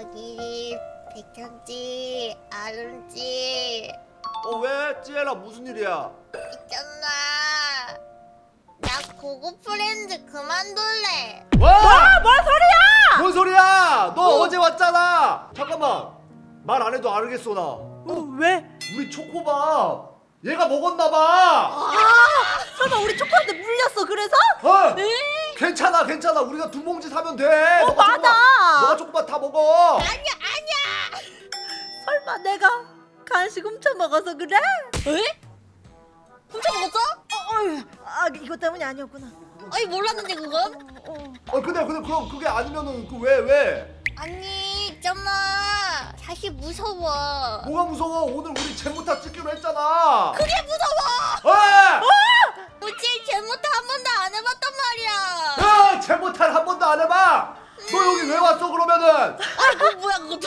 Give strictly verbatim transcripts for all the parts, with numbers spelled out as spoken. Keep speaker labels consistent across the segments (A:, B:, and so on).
A: 저기 백현지, 아름지
B: 어 왜? 찌엘아 무슨 일이야?
A: 있잖아. 나 고고 프렌즈 그만둘래.
B: 와!
C: 뭔 소리야?
B: 뭔 소리야? 너 어. 제 왔잖아. 잠깐만. 말 안 해도 알겠어 나.
C: 어, 왜?
B: 우리 초코밥 얘가 먹었나봐.
C: 아, 설마 우리 초코한테 물렸어 그래서?
B: 어?
C: 네?
B: 괜찮아 괜찮아. 우리가 두 봉지 사면 돼.
C: 어,
B: 너가
C: 맞아.
B: 초코밥, 너가 초코밥 다 먹어.
A: 아니야, 아니야.
C: 설마 내가 간식 훔쳐 먹어서 그래?
A: 에? 훔쳐 먹었어?
C: 어, 어휴, 아 이거 때문이 아니었구나.
A: 아니 몰랐는데 그건?
C: 어, 어.
B: 어 근데 근데 그럼 그게 아니면은 그 왜 왜?
A: 아니 있잖아. 사실 무서워.
B: 뭐가 무서워? 오늘 우리 제모타 찍기로 했잖아.
A: 그게 무서워.
B: 어!
A: 우지 제모타 한 번도 안 해봤단 말이야.
B: 야! 제모타를 한 번도 안 해봐. 너 여기 왜 왔어 그러면은?
A: 아니 그거 뭐야 그것도.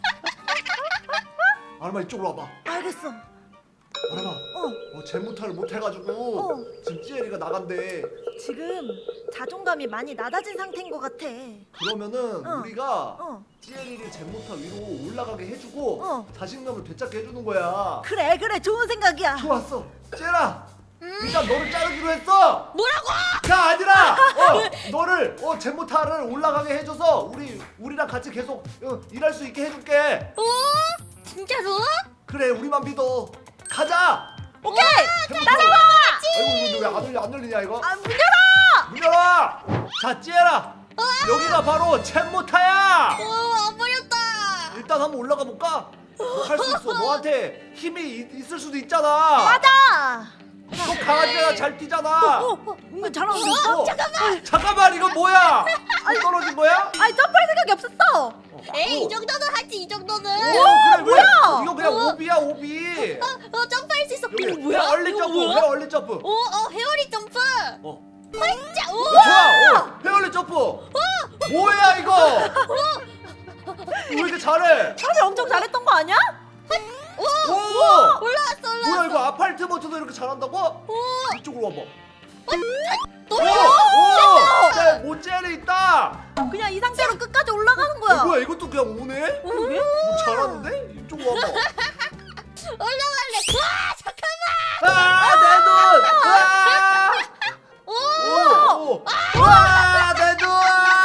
B: 아르마 이쪽으로 와봐.
C: 알겠어.
B: 아르마.
C: 어,
B: 어 제모타를 못 해가지고
C: 어.
B: 지금 찌엘이가 나간대.
C: 지금 자존감이 많이 낮아진 상태인 것 같아.
B: 그러면은
C: 어.
B: 우리가
C: 어,
B: 찌엘이를 제모타 위로 올라가게 해주고
C: 어.
B: 자신감을 되찾게 해주는 거야.
C: 그래 그래 좋은 생각이야.
B: 좋았어. 찌엘아. 일단 너를 자르기로 했어.
A: 뭐라고?
B: 가 아니라 어 너를 어 제모타를 올라가게 해줘서 우리 우리랑 같이 계속 어, 일할 수 있게 해줄게.
A: 어? 진짜로?
B: 그래 우리만 믿어. 가자.
C: 오케이.
B: 따라와. 아이고 이거 왜 안 열려 안 열리냐 이거?
C: 아, 문 열어.
B: 문 열어. 자 찌엘아. 여기가 바로 제모타야.
A: 어 와버렸다.
B: 일단 한번 올라가 볼까? 너 할 수 있어. 너한테 힘이 있, 있을 수도 있잖아.
C: 맞아.
B: 너 강아지가 잘 뛰잖아.
C: 어, 어, 은근 잘하고 있어.
B: 어, 잠깐만. 잠깐만 이건 뭐야? 또 떨어진 거야?
C: 아니 점프할 생각이 없었어.
B: 어,
A: 에이
B: 어.
A: 이 정도는 하지 이 정도는.
B: 어, 그래,
C: 뭐야?
B: 그래. 이거 그냥
A: 어.
B: 오비야 오비.
A: 어, 어 점프할 수 있어.
B: 여기
A: 이거 뭐야?
B: 헤어 얼리
A: 이거
B: 점프.
A: 뭐야?
B: 헤어 얼리 점프.
A: 오, 어 헤어리 점프.
B: 어.
A: 진짜 오.
B: 어, 좋아. 어, 헤어 얼리 점프. 뭐야 이거? 왜 이렇게 잘해?
C: 사실 엄청 잘했던 거 아니야?
A: 오.
B: 오!
A: 올라왔어 올라왔어.
B: 뭐야 이거 아팔트 버튼도 이렇게 잘한다고?
A: 오.
B: 이쪽으로 와봐.
A: 또.
B: 오! 오! 네, 모젤이 있다.
C: 그냥 이 상태로 끝까지 올라가는 거야.
B: 어, 뭐야 이것도 그냥 오네?
C: 그러게?
B: 뭐 잘하는데? 이쪽으로 와봐.
A: 올라갈래. 와 잠깐만.
B: 아, 내 눈! 아!
A: 오.
B: 오! 오! 와, 내 눈!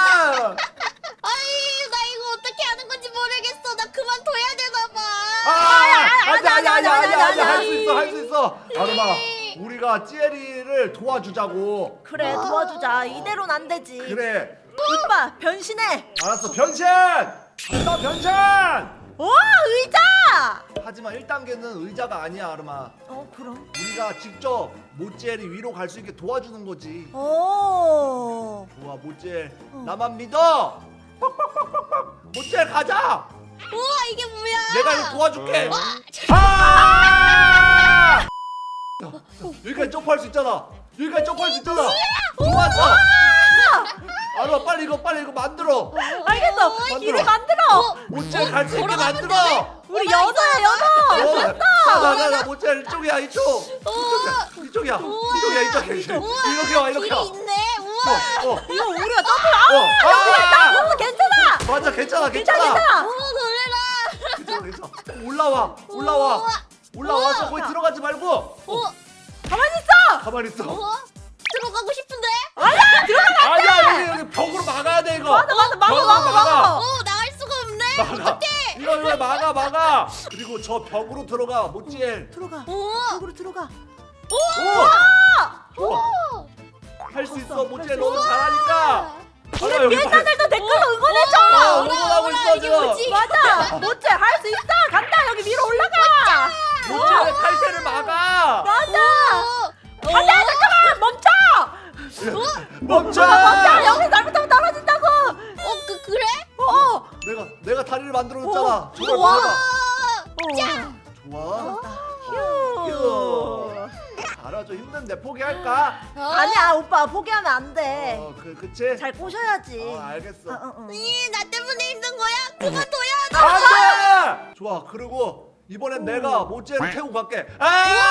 A: 아이 나 이거 어떻게 하는 건지 모르겠어. 나 그만둬야 되나 봐.
B: 아! 아니, 아니, 아니, 아니, 아니,
C: 아니,
B: 할 수 있어, 할 수 있어. 아르마, 우리가 찌에리를 도와주자고.
C: 그래 도와주자. 이대로는 안 되지.
B: 그래.
C: 오빠 변신해.
B: 알았어, 변신! 간다, 변신!
C: 오 의자.
B: 하지만 일 단계는 의자가 아니야, 아르마.
C: 어 그럼.
B: 우리가 직접 모찌엘이 위로 갈 수 있게 도와주는 거지.
C: 오.
B: 좋아, 모찌엘.
C: 어.
B: 나만 믿어! 모찌엘 가자!
A: 우와 이게 뭐야?
B: 내가 이거 도와줄게.
A: 와,
B: 아! 여기까지 점프할 수 있잖아. 여기까지 점프할 수 있잖아. 좋았어. 아르마 빨리 이거 빨리 이거 만들어.
C: 알겠어.
B: 만들어.
C: 이제 만들어.
B: 모찌엘 갈 수 있게
A: 걸어가면
B: 만들어.
C: 우리 여자야 여자.
B: 나나나 모찌엘 이쪽이야 이쪽. 이쪽이야 이쪽이야 이쪽이야 이쪽이야.
A: 우와,
B: 이렇게 와 이렇게
A: 길이
B: 와.
A: 있네. 우와.
B: 어, 어,
C: 이거 우리가 점프.
B: 어. 아!
C: 아, 괜찮아.
B: 맞아 괜찮아
C: 괜찮아
B: 괜찮아.
C: 괜찮아.
A: 오 놀래라.
B: 괜찮아 괜찮아. 올라와 올라와
A: 우와.
B: 올라와서
A: 우와.
B: 거기 들어가지 말고.
A: 오.
C: 가만히 있어.
B: 가만히 있어.
A: 어? 들어가고 싶은데?
C: 아니야 들어가.
B: 아니야 여기 여기 벽으로 막아야 돼 이거.
C: 맞아 맞아 막아
B: 벽으로
C: 막아 막아.
A: 오 나갈 수가 없네.
B: 막아. 이거 이거 막아 막아. 그리고 저 벽으로 들어가 모찌엘.
C: 들어가.
A: 오.
C: 벽으로 들어가.
B: 오. 좋아.
A: 오.
B: 할 수 있어
C: 좋았어.
B: 모찌엘
C: 할 수
B: 너무 잘하니까.
C: 우리
B: 아까 여기
C: 비엔나들도 댓글로 응원해줘.
B: 어, 응원하고
A: 오라,
B: 있어
A: 이게
B: 지금.
A: 뭐지?
C: 맞아. 못해 할 수 있어. 간다 여기 위로 올라가.
B: 모찌엘의 탈퇴를 막아.
C: 맞아.
A: 오.
C: 안돼 잠깐만 멈춰.
B: 멈춰.
C: 멈춰 여기 잘못하면 떨어진다고.
A: 어, 그 그래?
C: 어.
B: 내가 내가 다리를 만들어줬잖아.
C: 어,
B: 정말
C: 우와.
B: 받아.
C: 어.
B: 좋아.
C: 휴.
B: 휴. 알아줘 힘든데 포기할까?
A: 어?
C: 아니야 오빠 포기하면 안 돼.
B: 어, 그 그치?
C: 잘 꼬셔야지.
B: 어, 알겠어.
C: 어, 어, 어.
A: 이, 나 때문에 힘든 거야? 그만둬야 돼.
B: 안돼! 좋아. 그리고 이번엔 내가 모찌를 태우고 갈게. 아!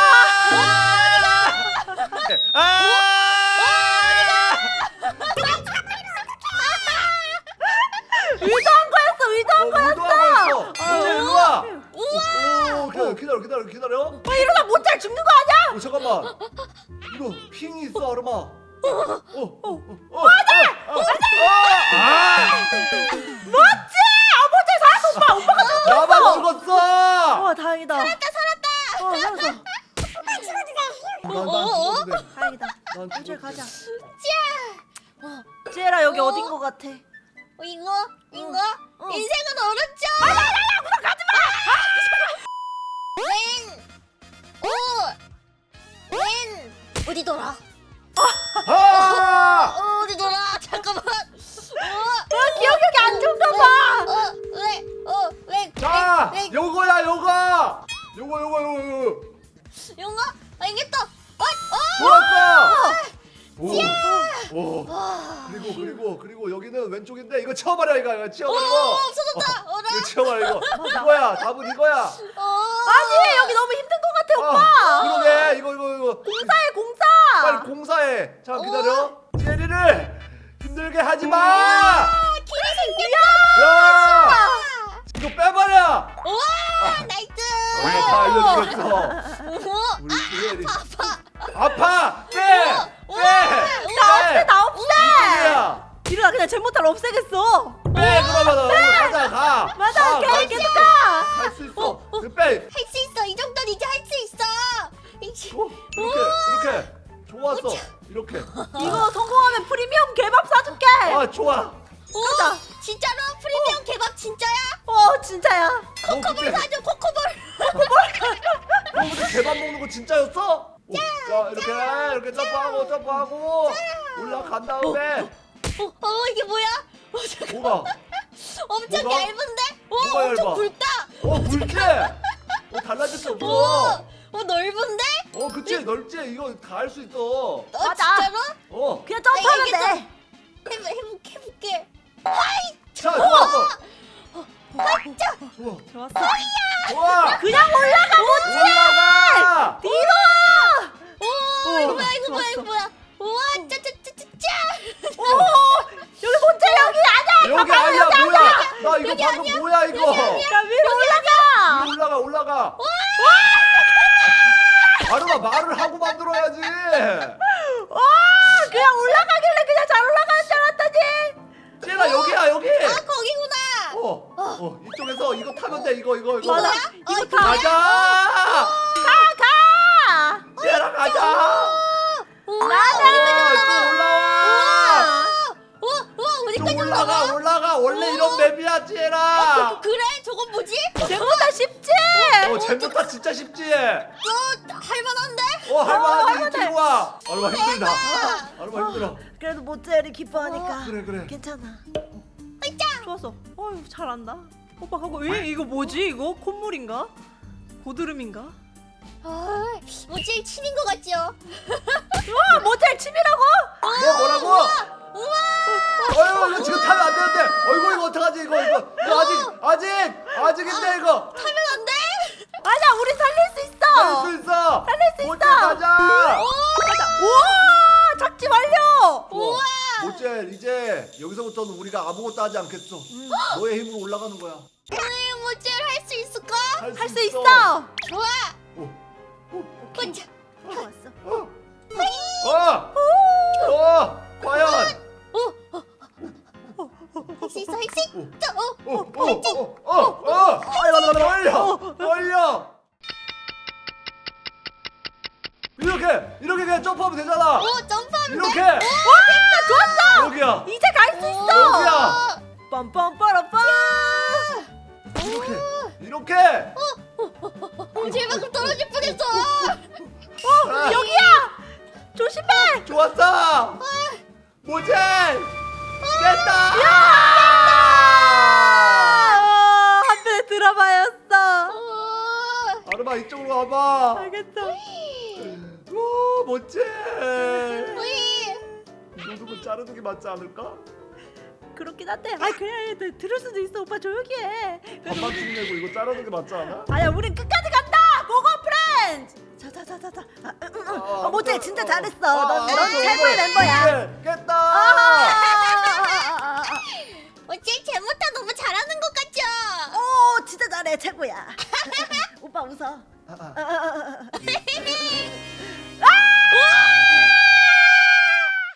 B: 아!
C: 의도한 거였어 의도한
B: 어,
C: 거였어.
B: 기다려 기다려 기다려.
C: 아 이러다 모텔 죽는 거 아니야?
B: 어 잠깐만. 이거 핑이 있어 아르마. 어어어 어. 어,
C: 맞아!
B: 어, 어, 아! 아!
C: 맞지? 아 모텔 살았어 오빠. 오빠가 죽었어.
B: 나만 죽었어.
C: 와 다행이다. 살았다 살았다. 어 살았어.
B: 난, 난 죽었는데.
C: 다행이다.
B: 난
C: 모텔
B: 죽었는데.
C: 가자.
A: 어,
C: 지혜라 여기
A: 어?
C: 어딘 거 같아?
A: 어, 이거 이거
C: 응.
A: 인생은 어렵죠.
C: 아니야 아니야 우선 가지 마.
A: 왼, 오, 왼 어디 돌아?
B: 아!
A: 어, 어디 돌아? 잠깐만. 어,
C: 아 기억력이 안 좋은가 봐.
A: 어, 왜, 어, 왜,
B: 자,
A: 왜, 왜,
B: 요거야 요거. 요거 요거 요거 요거.
A: 용어? 알겠다. 어, 어.
B: 좋았어. 오. 오.
A: 와.
B: 그리고 그리고 그리고 여기는 왼쪽인데 이거 치워버려 이거 이거
A: 오,
B: 치워버려.
A: 없어졌다. 어라.
B: 이거 치워버려 이거. 이거야 답은 이거야.
A: 어.
C: 아니 여기 너무 힘든 거 같아
B: 아,
C: 오빠.
B: 그러게 이거 이거 이거.
C: 공사해 공사.
B: 빨리 공사해. 자
A: 어?
B: 기다려. 제리를 힘들게 하지 마.
A: 길이 생겼다.
B: 야. 이거 빼버려.
A: 우와, 나이스.
B: 우리 다 알려주겠어.
A: 우와,
B: 우리 제리.
A: 아파.
B: 아파. 빼.
A: 우와,
B: 빼.
C: 다 없애 다 없애.
B: 이쪽이야.
C: 이러다 그냥 제모탈 없애겠어.
B: 빼 그러면 가자 가.
C: 맞아
B: 가,
C: 오케이
B: 갈
C: 계속
B: 수
C: 가.
B: 있어. 할 수 있어. 그 빼.
A: 할 수 있어. 이 정도는 이제 할 수 있어. 이제-
B: 어, 이렇게 이렇게 좋았어. 이렇게.
C: 이거 성공하면 프리미엄 개밥 사줄게.
B: 아 좋아.
A: 오,
C: 가자.
A: 진짜로 프리미엄 개밥 진짜야?
C: 어 진짜야.
B: 너
A: 코코볼
B: 그때
A: 사줘. 코코볼.
B: 너 그때 개밥 먹는 거 진짜였어? 오, 자 이렇게 이렇게 점프하고 점프하고 올라간 다음에
A: 어, 어 이게 뭐야? 어, 잠깐.
B: 뭐가?
A: 엄청
B: 뭐가?
A: 얇은데? 오,
B: 뭐가
A: 엄청
B: 얇아?
A: 굵다.
B: 어 굵게. 어 달라질 수
A: 오,
B: 없어.
A: 오 넓은데?
B: 어 그치 넓지 이거 다 할 수 있어.
A: 어,
C: 맞아.
A: 진짜로?
B: 어.
C: 그냥 점프하면
A: 알겠어.
C: 돼.
A: 해보, 해볼게, 해볼게. 하이!
B: 자 좋았어.
A: 하이자!
B: 좋아.
C: 좋았어.
B: 좋아.
C: 그냥 올라가 못
B: 올라가.
C: 뒤로.
A: 오,
C: 어,
A: 이거 뭐야, 이거 뭐야,
C: 좋았어.
A: 이거 뭐야. 우와, 짜짜짜짜짜!
C: 오 여기 모텔 여기 아니야.
B: 여기
C: 가봐요,
B: 아니야
C: 여기
B: 뭐야?
C: 아니야.
B: 나 이거
A: 여기
B: 방금
A: 아니야?
B: 뭐야 이거?
C: 야 위로 올라가.
B: 위로 올라가 올라가. 아르마 말을 하고 만들어야지.
C: 와 그냥 올라가길래 그냥 잘 올라가는 줄 알았더니.
B: 쟤나 여기야 여기.
A: 아, 거기구나!
B: 어, 어 이쪽에서 이거 타면 돼 이거 이거 이거.
C: 맞아.
A: 어,
C: 이거
A: 이거
C: 다
B: 가자.
C: 가 가.
B: 쟤나 가자.
A: 우와,
B: 어, 또 올라와.
A: 우와, 우와,
B: 또
A: 어디까지
B: 올라가
A: 올라가?
B: 올라가 원래 이런 맵이야 쟤나.
A: 그, 그래? 저건 뭐지?
C: 쟤보다 쉽지.
B: 어 잼부터 진짜 쉽지.
A: 어, 할만한데?
B: 어 할만하지
C: 할만해.
B: 이쪽으로 와. 아르마 힘들다.
A: 대박.
B: 아르마 힘들어.
C: 그래도 모텔이 기뻐하니까.
B: 그래 그래.
C: 괜찮아.
A: 으쌰!
C: 좋았어. 어휴 잘한다. 오빠 하고 에 이거 뭐지 이거 콧물인가? 고드름인가?
A: 아, 뭐지? 침인 것 같죠?
C: 와 모텔 침이라고?
B: 뭐 뭐라고?
A: 우와!
B: 어휴 이거 지금 타면 안 되는데. 어이구 이거 어떡하지 이거 이거 이거 아직 아직 아직인데 이거.
A: 타면 안 돼?
C: 아니야 우리 살릴 수 있어.
B: 살릴 수 있어.
C: 살릴 수
B: 모텔
C: 있어.
B: 가자.
C: 가자. 우와 작지 완료.
A: 우와!
B: 모젤 이제 여기서부터는 우리가 아무것도 하지 않겠어. 너의 힘으로 올라가는 거야.
A: 오늘 모찌를 할 수 있을까?
C: 할 수 있어.
A: 좋아!
B: 오.
A: 보자!
C: 좋았어.
B: 어. 어. 어. 과연.
A: 할 수 있어, 할 수 있어! 어,
B: 어. 어. 어. 어. 어. 떨려. 떨려. 이렇게 이렇게 그냥 점프하면 되잖아.
A: 오, 점프하면
B: 이렇게.
A: 돼?
C: 와 좋았어.
B: 여기야.
C: 이제 갈 수
A: 오,
C: 있어.
B: 여기야.
C: 빰빰빠라빰.
B: 이렇게. 이렇게.
A: 오, 제발 떨어질 뻔했어!
B: 아,
C: 여기야. 조심해.
B: 좋았어. 모젤. 됐다.
C: 아, 한 편에 들어봐였어.
A: 오,
B: 아르마 이쪽으로 와봐.
C: 알겠어.
B: 오 모젤.
A: 우이!
B: 이 정도면 자르는 게 맞지 않을까?
C: 그렇긴 한데. 아 그래 들- 들을 수도 있어. 오빠 조용히 해.
B: 반만 쭉 내고 이거 자르는 게 맞지 않아?
C: 아야 우린 끝까지 간다. 고고 프렌즈. 자자자자자. 아, 응, 응, 응. 어, 모텔 진짜 잘했어. 넌, 넌 최고의 멤버야.
B: 깼다.
C: 아,
A: 모찌 제모타 너무 잘하는 것 같죠?
C: 오 진짜 잘해 최고야. 오빠 웃어.
B: 아, 아.